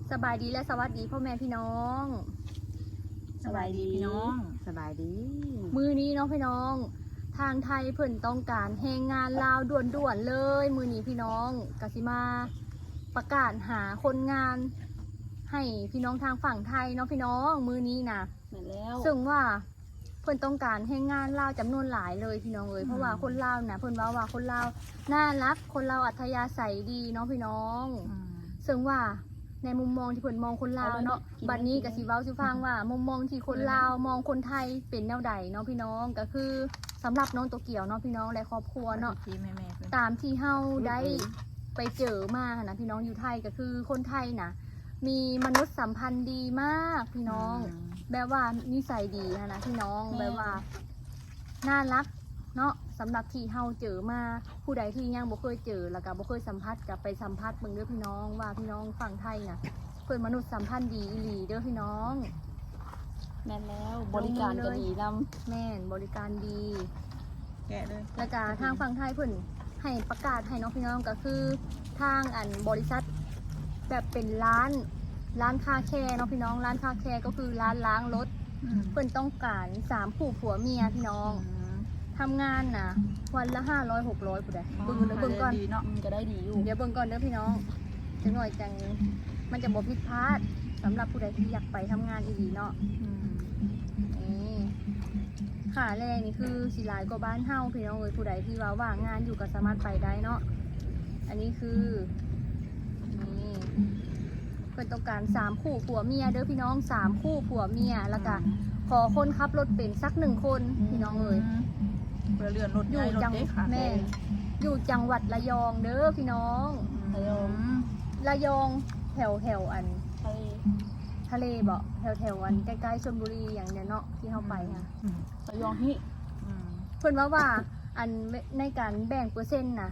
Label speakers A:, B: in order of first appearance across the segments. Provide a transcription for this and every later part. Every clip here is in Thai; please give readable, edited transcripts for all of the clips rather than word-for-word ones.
A: สบายดีและสวัสดีพ่อแม่พี่น้อง
B: สบายดีพี่น้องสบายดี
A: มือนี้เนาะพี่น้องทางไทยเพิ่นต้องการแรงงานลาวด่วนๆเลยมือนี้พี่น้องกสิมาประกาศหาคนงานให้พี่น้องทางฝั่งไทยเนาะพี่น้องมือนี้นะ
B: เหมือนแล้ว
A: ซึ่งว่าเพิ่นต้องการแรงงานลาวจำนวนหลายเลยพี่น้องเพราะว่าคนลาวนะเพิ่นว่าคนลาวน่ารักคนลาวอัธยาศัยดีเนาะพี่น้องซึ่งว่าในมุมมองที่เพิ่นมองคนลาวเนาะบัดนี้ก็สิเว้าสิฟังว่ามุมมองที่คนลาวมองคนไทยเป็นแนวใดเนาะพี่น้องก็คือสำหรับน้องโตเกียวเนาะพี่น้องและครอบครัวเนาะตามที่เฮาได้ไปเจอมานะพี่น้องอยู่ไทยก็คือคนไทยนะมีมนุษยสัมพันธ์ดีมากพี่น้องแบบว่านิสัยดีนะพี่น้องแบบว่าน่ารักเนาะสำหรับที่เฮาเจอมาผู้ใดที่ยังบ่เคยเจอแล้วก็บ่เคยสัมผัสกับไปสัมผัสเบิ่งเด้อพี่น้องว่าพี่น้องฝั่งไทยน่ะเพิ่นมนุษยสัมพันธ์ดีอีหลีเด้อพี่น้อง
B: แม่นแล้วบริการก็ดีนำ
A: แม่นบริการดี
B: แกะเลย
A: แล้วก็ทางฝั่งไทยเพิ่นให้ประกาศให้น้องพี่น้องก็คือทางบริษัทแบบเป็นร้านคาแคร์เนาะพี่น้องร้านคาแคร์ก็คือร้านล้างรถเพิ่นต้องการ3คู่ผัวเมียพี่น้องทำงานนะวันละ500-600ผู้ใดเบิ่งก่อน
B: ดีเนาะจะได้ดีอยู่
A: เดี๋ยวเบิ่งก่อนเด้อพี่น้องจังหน่อยจังมันจะบ่ผิดพลาดสำหรับผู้ใดที่อยากไปทำงานอีหลีเนาะนี่ค่าแรงนี่คือสิหลายกว่าบ้านเฮาพี่น้องผู้ใดที่ว่าว่างงานอยู่ก็สามารถไปได้เนาะอันนี้คือนี่เพิ่นต้องการ3คู่ผัวเมียเด้อพี่น้อง3คู่ผัวเมียแล้วก็ขอคนขับรถเป็นสัก1คนพี่น้อง
B: เรือเรือนรถ
A: อยู่จังแม่อยู่จังหวัดระยองเด้อพี่น้องระยองแถวทะเลบ่แถวใกล้ๆชลบุรีอย่างเนี้ยเนาะที่เข้าไปค่ะ
B: ระยองที่
A: เพิ่นว่าในการแบ่งเปอร์เซ็นต์นะ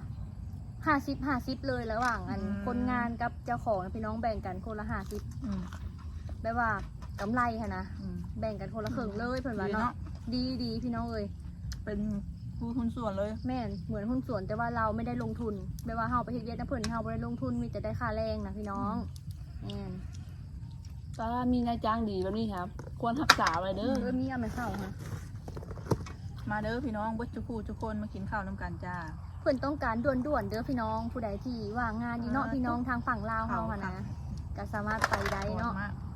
A: 50เลยระหว่างคนงานกับเจ้าของพี่น้องแบ่งกันคนละ50แบบว่ากำไรค่ะนะแบ่งกันคนละครึ่งเลยเพิ่นว่าเนาะดีพี่น้อง
B: เป็นผู้หุ้นส่วนเลย
A: แม่นเหมือนหุ้นส่วนแต่ว่าเราไม่ได้ลงทุนแบบว่าเฮาไปเฮ็ดเวียกนะเพิ่นเฮาบ่ได้ลงทุนมีแต่ได้ค่าแรงนะพี่น้องแม่น
B: ถ้ามีนายจ้างดีแบบนี้ครับควรรักษาไว้เด้อ
A: มีเอามาเข้าค่ะ
B: มาเด้อพี่น้องทุกคนมากินข้าวน้ำกันจ้า
A: เพิ่นต้องการด่วนๆเด้อพี่น้องผู้ใดที่ว่างงานอยู่เนาะพี่น้องทางฝั่งลาวเฮาค่ะนะก็สามารถไปได้เนาะ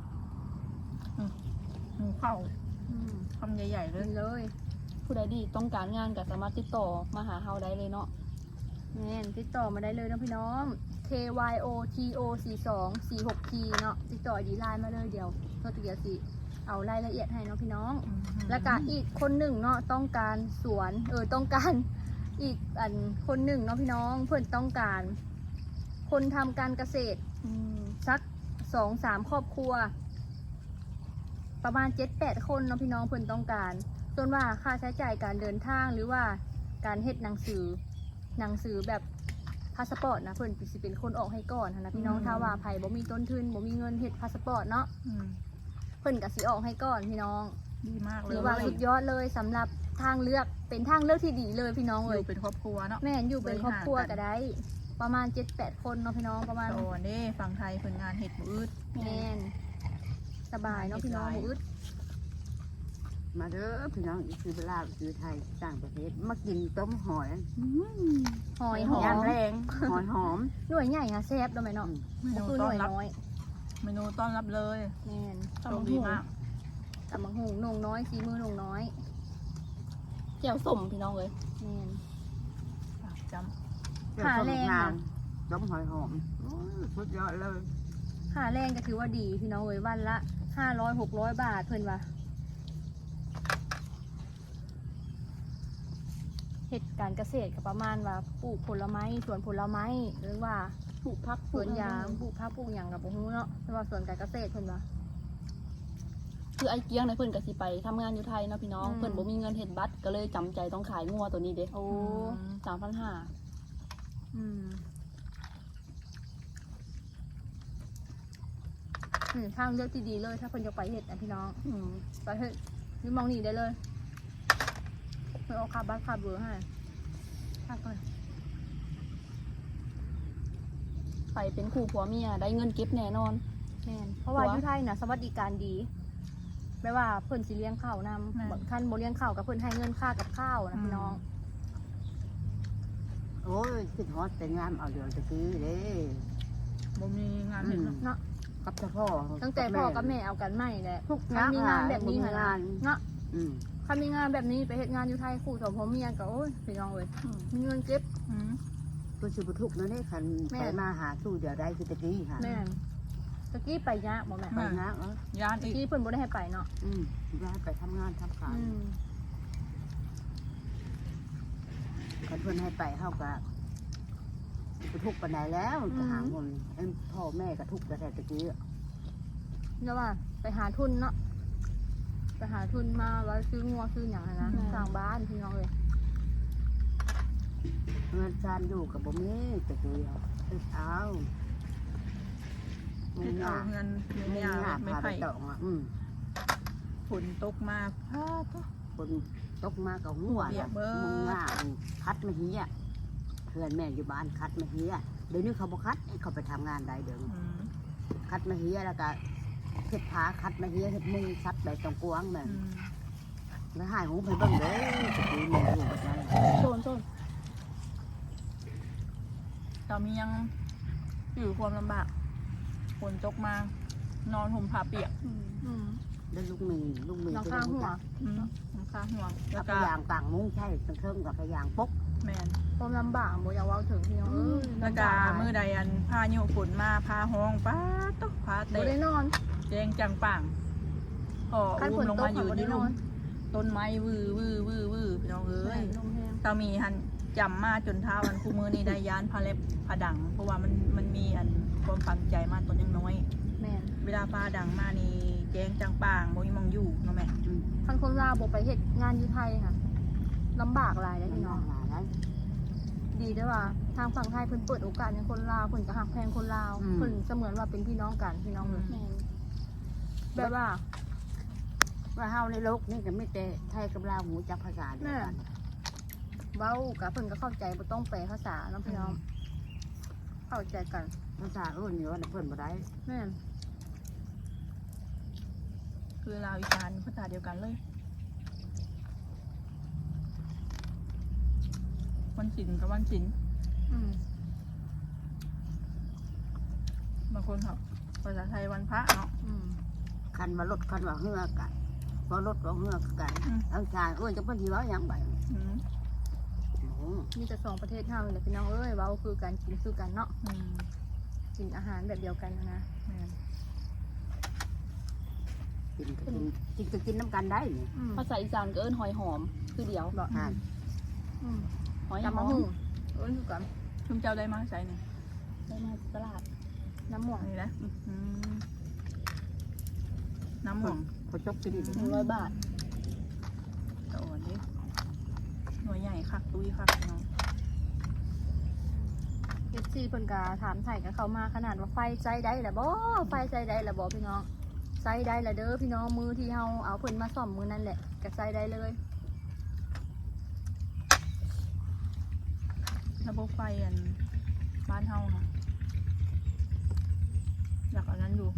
B: หมูเข้าคำใหญ่ๆ
A: เลย
B: ผู้ใดดีต้องการงานก็สามารถติดต่อมาหาเฮาได้เลยเนาะ
A: แม่นติดต่อมาได้เลยนะพี่น้อง KYOTO4246T เนาะติดต่อดีไลน์มาเลยเดี๋ยวสิเอารายละเอียดให้เนาะพี่น้องแล้วก็อีกคนหนึ่งเนาะต้องการสวนต้องการอีกคนหนึ่งเนาะพี่น้องเพื่อนต้องการคนทำการเกษตรสัก2-3 ครอบครัวประมาณ7-8 คนเนาะพี่น้องเพื่อนต้องการส่วนว่าค่าใช้จ่ายการเดินทางหรือว่าการเฮ็ดหนังสือแบบพาสปอร์ตนะเพื่อนสิเป็นคนออกให้ก่อนนะพี่น้องถ้าว่าไผบ่มีต้นทุนบ่มีเงินเฮ็ดพาสปอร์ตเนาะเพื่อนก็สิออกให้ก่อนพี่น้อง
B: ดีมากเลย
A: หรือว่าสุดยอดเลยสำหรับทางเลือกเป็นทางเลือกที่ดีเลยพี่น้อง
B: อยู่เป็นครอบครัวเนาะ
A: แม่อยู่เป็นครอบครัวก็ได้ประมาณ7-8 คนเนาะพี่น้องประมาณ
B: นี่ฝั่งไทยผลงานเห็ดมืด
A: แม่สบายเนาะพี่น้องมืด
C: มาเด้อพี่น้องซื้อเวลาซื้อไทยต่างประเทศมากินต้มหอย
A: หอม
C: ย่างแรงหอยหอม
A: หน่วยใหญ่ค่ะแซ่บด้วยไหมเนาะคือหน่วยน้อย
B: เมนูต้อนรับเลย
A: แม่
B: โชคดีมาก
A: ตำบักหุ่งนงน้อยมือนงน้อย
B: เจียวสมพี่น้องเลย
A: แม่
B: จ
A: ำขาแรง
C: ต้มหอยหอมสุดยอดเลย
A: ขาแรงก็ถือว่าดีพี่น้องเลยวันละ500-600 บาทเพิ่นว่าเหตุการเกษตรก็ประมาณว่าปลูกผลไม้สวนผลไม้หรือว่า
B: ปลูกผัก
A: สวนยางปลูกผักปลูกหยังกับบ่ฮู้เนาะแต่ว่าสวนการเกษตรเพิ่นว่า
B: คือไอ้เกี้ยงในเพิ่นก็สิไปทำงานอยู่ไทยเนาะพี่น้องเพิ่นบ่มีเงินเฮ็ดบัตรก็เลยจำใจต้องขายงัวตัวนี้เด้3,500
A: ทางเลือกที่ดีเลยถ้าเพิ่นจะไปเฮ็ดนะพี่น้องไปเฮ็ดนี่มองนี่ได้เลยเพิ่นเอาค่าบัตรค่าเบอร์ให้ค่าก่อน
B: ไปเป็นคู่ผัวเมียได้เงินเก็บแน่นอน
A: แม่นเพราะว่าอยู่ไทยน่ะสวัสดิการดีแปลว่าเพิ่นสิเลี้ยงข้าวนำคันบ่เลี้ยงข้าวกับเพิ่นให้เงินค่ากับข้าวนะพี่น้อง
C: โอ้ยคิดฮอดแต่งามเอาเดือนตะกี้เด้
B: บ่มีงานเห็นเนาะ
A: เนาะ
C: กับเจ้าพ่อ
A: ตั้งแต่พ่อกับแม่เอากันใหม่แหละ
C: ทุก
A: คันมีงานแบบนี้
C: ห
A: หั่น
C: งา
A: น่ะ
C: น
A: เนาะ
C: อืม
A: คันมีงานแบบนี้ไปเฮ็ดงานอยู่ไทยคู่สองพ่อเมียก็โอ้ยพี่น้องเอ้ยมีเงินเก็บ
B: อืม
C: ตัวสิบทุกนั่นเองคัน
A: แม่
C: ไปมาหาสู้เดี๋ยวได้คือตะกี้ค่ะ
A: แม่นตะกี้ไปยากบ่แม่
C: ไปนะเออย
B: าน
A: ตะ
B: อีก
A: กี้เพิ่นบ่ได้ให้ไปเนาะ
C: ย้ายไปทำงานทำการ
A: อืม
C: คันเพื่อนให้ไปเข้ากับไปทุกปันไดแล้วจะหาเงินพ่อแม่ก็ทุกแต่ตะกี้
A: แล้วว่าไปหาทุนเนาะไปหาทุนมาไว้ซื้องัวซื้อหยังหั้นนะสร้างบ้านพี่น้องเอ้ย
C: เงินจานอยู่กับบ่มีตะกี้เอาเงิน
B: เอาเงิน
C: เงิน
B: ยา
C: หา
B: ไม่
C: พาไป
B: ไผ่
C: ตองอ่ะ
B: ฝนตกมาพาตก
C: คนตกมากับหัว
B: เปียกเบิด
C: มึงง่าคัดมาเฮียเพื่อนแม่อยู่บ้านคัดมาเฮียเดี๋ยวนี้เขาบอกคัดเขาไปทำงานได้เดี๋ยวนี้
B: อืม
C: คัดมาเฮียแล้วก็เห็ดผาคัดมาเฮียเห็ดมุงซัดไปตรงกวางแบบ
B: อืม
C: แล้วหายหูไปเบิ่งเด้อตะกี้แม่อยู่แบบนั้น
A: โซน
B: เรามียังอยู่ความลำบากฝนตกมานอนห่มผ้าเปียก
A: อืม
C: แล้วลูกมี
A: น้องข้างหัว
B: อืมน้ำค้างห่วงแล้
C: แล้ว ว
B: ก็
C: ก็ยางต่างมุ้งใช่ตั้งเครื่องกับพยางปก
B: แมน
A: ความลำบากบ่อยากเว้าถึงพี่น้องเอ้ย
B: แล้วก็มือใดอันพายุฝนมาพาห้องป้าตกพา
A: บ่
B: เตะ
A: ได้นอน
B: แจงจังป่างพอ
A: คัน
B: อุ้
A: ฝ
B: ม
A: น
B: ลง
A: ตก
B: มาอยู่
A: บ่
B: ใน
A: ได้น
B: ลุ
A: อ
B: ม
A: น
B: ต้นไม้วือพี่น้องเอ้ย
A: ลมแห้ง
B: ตามีหันจำมาจนเท้าวันคู่มือนี่ได้ยานพาเล็บพาดัง เพราะว่ามันมีอันความฝังใจมาตอนยังน้อย
A: แม่น
B: เวลาพาดังมานี่แจงจังป่างบ่มีมองอยู่เนาะแม่
A: คันคนลาวบ่ไปเฮ็ดงานอยู่ไทยค่ะลำบากหลายเลยพี่น้อง
C: หลายแล้ว
A: ดีด้วยว่าทางฝั่งไทยเพิ่นเปิดโอกาสให้คนลาวเพิ่นก็ฮักแพงคนลาวเพิ่นเสมือนว่าเป็นพี่น้องกันพี่น้องเลย
B: แม่น
A: แบบว่า
C: ว่าเฮาในโลกนี่ก็ไม่แต่ไทยกับลาวหูจักภาษาเดียวกัน
A: เว้ากับเพิ่นก็เข้าใจบ่ต้องแปลภาษาเนาะพี่น้องเข้าใจกัน
C: ภาษาอื่นอยู่ว่าเพิ่นบ่ได้
A: แม่น
B: คือลาวอีสานภาษาเดียวกันเลยวันศิลกับวันศิล
A: อืม
B: บางคนเขาภาษาไทยวันพระเนาะ
A: อืม
C: คันว่ารถคันว่าเฮือกันพอรถว่าเฮือกันเอาชายจะเพิ่นสิเว้าหยังไป
B: อืม
A: มีแต่สองประเทศเฮานี่แหละพี่น้องเอ้ยเว้าคือกันกินคือกันเนาะ
B: อืม
A: กินอาหารแบบเดียวกันนะ
B: แม่น
C: กินก็กินน้ำกันได้นี่
A: อืม
B: ภาษาอีสานก็เอิ้นหอยหอม คือเดียว
A: บ่
C: อ่า
A: อืม
B: หอย
A: กำ
B: ห
A: มะ
B: อม
A: ฮู้เอิ้นคือกัน
B: ชุมเจ้าได้มาใส่เนี่ย
A: ได้มาตลาดน้ำม่วง
B: อันนี้นะอืมน้ำหม่วง
C: พอจบกินอีก
A: 100 บาท
B: ตะอ่อนดิหน่วยใหญ่คักตุ้ยคักเนาะ
A: FC เพิ่นก็ถามไทยกันเข้ามาขนาดว่าไฟใจได้ล่ะบ่ไฟใจได้ล่ะบ่พี่น้องใจได้ล่ะเด้อพี่น้องมือที่เฮาเอาเพิ่นมาซ่อมมือนั่นแหละก็ใจได้เลย
B: ระบบไฟอันบ้านเฮาค่ะอยากอันนั้นอยู่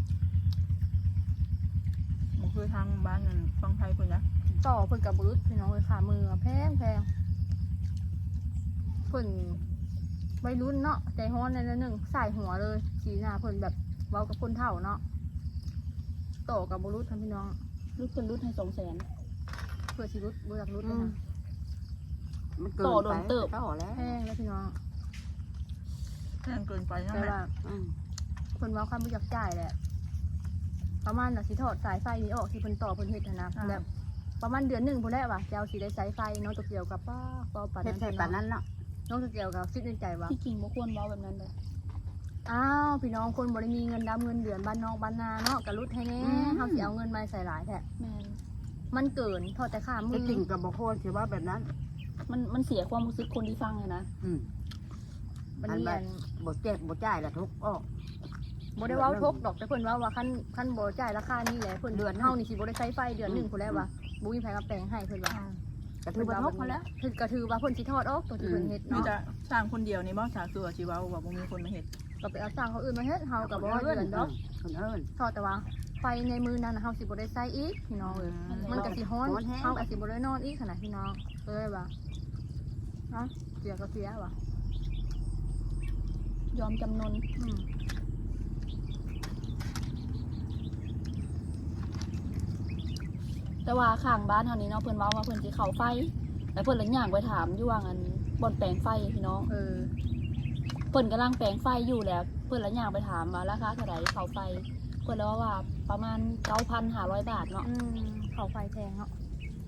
B: มันคือทางบ้านนั่นฟังไทยคนนะ
A: ต่อเพิ่นกับบรุษพี่น้องเลยค่ะมือแพงเพิ่นวัยรุ่นเนาะใจฮ้อนในนั้นหนึ่งใส่หัวเลยสีหน้าเพิ่นแบบเว้ากับคนเฒ่าเนาะต่อกับบรุษท่านพี่น้อง
B: รุดเป็นรุดให้200,000
A: เพื่อสิรุดบ่อยากรุดเลยนะ
C: มันเกิน
B: ต่อโด
C: ไป
B: นเติบ
C: ต่อแล้ว
A: แพงแล้วพี่น้อง
B: แพงเกินไปนะ
A: แต่
B: แม่
A: ว่า
C: อืม
A: เพิ่นเว้าคำบ่อยากจ่ายแหละประมาณน่ะสิถอดสายไฟนี้ออกที่เพิ่นต่อเพิ่นเฮ็ดนะแบบประมาณเดือนหนึงพุ่นแหละว่ะจะเอาสิได้สายไฟเนาะตัวเกี่ยวกับป้าปาน
C: เฮ็ด
A: นั้น
C: ใส่ปานนั้นเนาะ
A: น้องตัวเกี่ยวกับคิดในใจว่า
B: ที่จริงบ่ควรเว้าแบบนั้นเลย
A: อ้าวพี่น้องคนบ่ได้มีเงินดำเงินเดือนบ้านนอกบ้านนาเนาะกะรุดให้แน่เฮาสิเอาเงินมาใส่หลายแท้
B: แม่น
A: มันเกินทอดแต่ขามื
C: จะ
A: อ
C: กินกับบ่โคนสิว่าแบบนั้น
B: มันเสียความรู้สึกคนที่ฟังเลยนะ
C: อืม
A: มัน
C: อัน
A: เรี
C: แบ
A: ย
C: บ
A: น
C: บ่เจ็บบ่จ่ายละทุกออก
A: บ่ได้เว้าทกดอกแต่เพิ่นเว้าว่าคันบ่จ่ายราคานี้แหละเพิ่นเดือนเฮานี่สิบ่ได้ใช้ไฟเดือนหนึงพุ่นแล้วว่าบ่มีไผมาแปลงให้เพิ่นว่า
C: กระทืบบ่ทุกมาแล้ว
A: คือกระถือว่าเพิ่นสิทอดออกตัวที่เพิ่นเฮ็ด
B: มี
A: เนาะ
B: แต่สร้างคนเดียวในบ้านสาคือชีวาว่าบ่มีคนมาเห็ด
A: ก็ไปเอาสร้างเขาอื่นมาเฮ็ดเฮาก็บ่ว่าเดือนดอก
C: คนเอิ้น
A: ทอดแต่ว่าไฟในมือนั้นน่ะเฮาสิบ่ได้ใช้อีกพี่น้องเอ้ยมันก็สิฮ้อน
C: ฮ้อนแฮง
A: เฮาก็สิบ่ได้นอนอีกขนาดพี่น้องเอ้ยว่าเนาะเสียก็เสียว่ะ
B: ยอมจำนน
A: อืม
B: แต่ว่าข้างบ้านเฮานี้เนาะเพิ่นเว้าว่าเพิ่นสิเข้าไฟแต่เพิ่นเลยย่างไปถามอยู่ว่าอันบ่อนแปลงไฟพี่น้อง
A: เออ
B: เพิ่นกำลังแปลงไฟอยู่แล้วเพิ่นเลยย่างไปถามว่าราคาเท่าไหร่เข้าไฟเพิ่นเลยว่าประมาณ 9,500 บาทเนาะ
A: อืมเขาไฟแพงเนาะ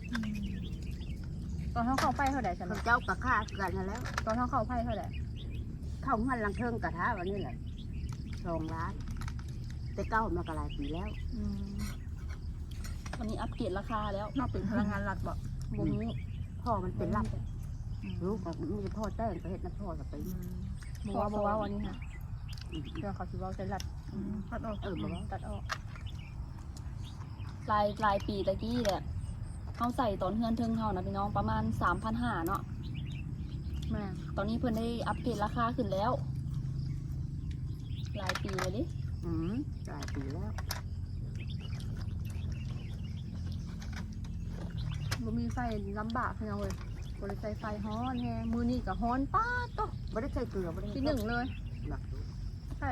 A: ตอนเฮาเข้าไฟเท่าใดซั่น
C: เขา
A: เนาะ
C: เจ้ากับข้ากันนั่นแล้ว
A: ตอนเฮาเข้าไฟเท่าใด
C: เข้าหันลังเทิงกระทะวันนี้แหละ2 ล้านแต่เก้ามากหลายปีแล้ว
A: อืม
B: วันนี้อัปเกรดราคาแล้ว
A: นอกเป็นพลังงานหลักบ่
C: บ่มีพ่อมันเป็นรับลูกก็มีแต่พ่อแต้งไปเฮ็ดน้ำพ่อกับไป
A: บ่ว่าวันนี้ค่ะเรื่องเขาสิเว้าใส่หลัดตัดออก
C: บ่ว่า
A: ตัดออก
B: รายปีตะกี้แหละเฮาใส่ตอนเฮือนเทิงเฮานะพี่น้องประมาณ 3,500 เนาะ
A: แม่
B: ตอนนี้เพิ่นได้อัปเกรดราคาขึ้นแล้วหลายปีเลยดิ
C: หลายปีแล้ว
A: บ่มีไฟลำบากพี่น้องเอ้ยบ่ได้ใช้ไฟฮ้อนแฮงมื้อนี้ก็ฮ้อนป๊าดโต
C: บ่ได้ใส่เกลือบ่ได้
A: ที่หนึ่งเลย
C: หลัก
A: ใช่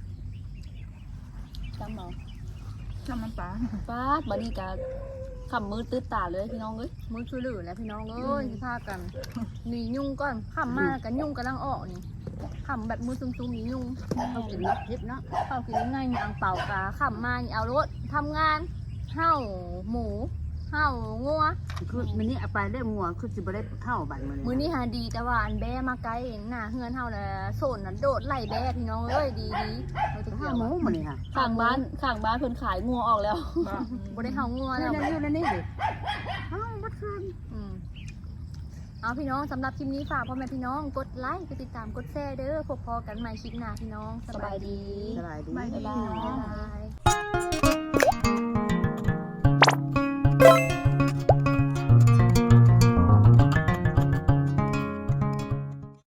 B: จำเอา
A: น้ำมันปลา
B: ฟาดบัดนี้ก็ขำมือตื้อตาเลยพี่น้องเอ้ย
A: มื้อคือหลือแล้วพี่น้องเอ้ยสิพากันหนียุงก่อนค่ำมาแล้วก็ยุงกำลังออกนี่ค่ำแบบมือซุ่มๆนี่ยุง
C: เขากินนับทิพย์เนาะ
A: เข้ากินง่ายๆนี่อังเป่ากาค่ำมานี่เอารถทำงานเห่าหมูเห่างัว
C: คือมันนี่เอาไปได้งัวคือสิบ่ได้เข้าบัดมื้อนี้
A: มื้อนี้หาดีแต่ว่าอันแบ้มาไกลเองน่ะเฮือนเฮาน่ะโซนน่ะโดดไล่แบ้พี่น้องเอ้ยดีเราจะ
C: ข้า
A: เกี่ยว
C: หมูมื้อนี้ค่ะ
B: ข้างบ้านเพิ่นขายงัวออกแล้ว
A: บ่ได้เห่างัว
C: นั่
A: แล้ว
C: นนี่ดิเอ้าบัดคืน
A: เอาพี่น้องสำหรับคลิปนี้ฝากพ่อแม่พี่น้องกดไลค์กดติดตามกดแชร์เด้อพบพอกันใหม่คลิปหน้าพี่น้องสบายดี
C: สบายดี
A: บ๊ายบาย